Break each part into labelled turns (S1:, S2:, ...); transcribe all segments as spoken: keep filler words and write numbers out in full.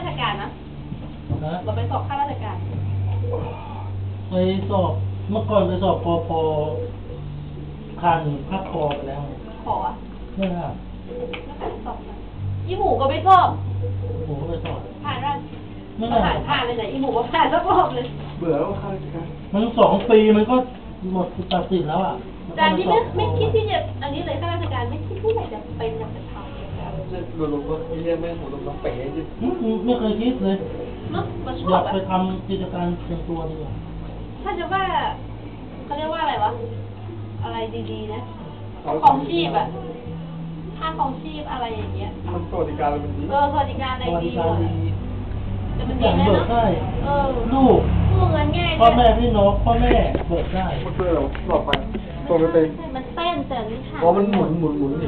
S1: ชการนะเราไปสอบข้าราชการ
S2: ไปสอบเมื่อก่อนไปสอบปพคันภาคคอไปแล้ว
S1: ขออ่ะ
S2: ไม่ได้
S1: แล้วการสอบอีหมูก็ไปสอบ
S2: หมูก็ไปสอบ
S1: ผ่านแล้วไม่ผ่านผ่านเลยไหนอีหมูก็ผ่านสักรอบเลย
S3: เบื่อแล้วข้าราชการ
S2: มันสองปีมันก็หมดตัดสินแล้วอ่ะ
S1: แต่ที่ไม่ไม่คิดที่จะอันนี้เลยข้าราชการไม่คิดที่ไหนจะเป็นอยากจะทำ
S3: จะดูลงก็เรียกแม่ผมลงมาเป๋จิ
S2: ไม่เคยคิดเลย
S1: เนาะมาชอบ
S2: อยากไปทำกิจการเป็นตัวดีกว่า
S1: ถ้าจะว่าเขาเรียกว่าอะไรวะอะไรดีๆนะของชีพอะค่าของชีพอะไรอย่างเงี้ย
S3: มันสวัสดิการอะไรมันดี
S1: เออสวัสดิการอะไรดีหมดแต่มันดี
S2: นะเนาะเออลูก
S1: กู้เงินง่าย
S2: พ่อแม่พี่น้องพ่อแม่เบิกได้
S3: มันเพื่อเราหลอดไปตรงไป
S1: มันเต้นแต่นี่
S3: ค่ะเพราะมันหมุนหมุนหมุนนี่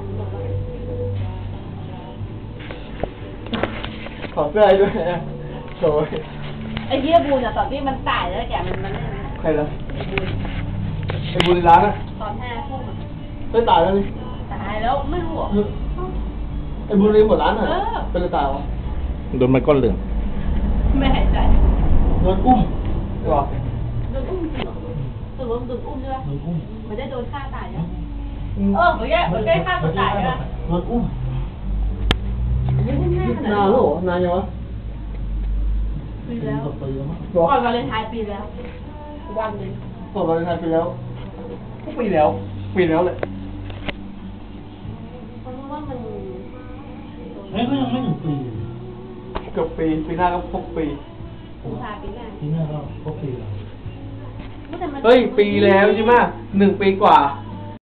S3: ขอเสื้อด้วยนะโชย
S1: ไอ้เหี้ยบูนอะตอนที่มันตายแล้วแกมันมัน
S3: ใครล่ะไอ้บูนร้านอะ
S1: ตอนห้าทุ่ม
S3: เฮ้ยตายแล้วนี่
S1: ตายแล้วไม่รู้อ่ะ
S3: ไอ้บูนรีหมดร้านเหรอเป็นอะไรตายวะ
S2: โดนไม้ก้อนเหลือง
S1: ไม่หายใจ
S2: โดนอุ้ม
S3: หรอ
S1: โดนอุ้มจริงเหรอสรุปโดนอุ้มใช่ไหม
S2: โดนอุ้ม
S1: ไม่ได้โดนฆ่าตายนะเออไม่ได้ไม่ได้ฆ่าตัวตายนะ
S2: โดนอุ้ม
S3: นานหรอนานยังวะ
S1: ปีแล้วก่อนวาเลนไทน์ปีแล้ววันหนึ่ง
S3: ก่อนวาเลนไทน์ปีแล้วทุกปีแล้วปีแล้วเลย
S1: เพราะว่ามัน
S2: เฮ้ยก็ยังไม่ถึงปี
S3: เกือบปีปีหน้าก็ครบปี
S1: กุมภาปีหน้า
S2: ปีหน้าก็ครบปีแล้ว
S3: เฮ้ยปีแล้วใช่ไหมหนึ่งปีกว่า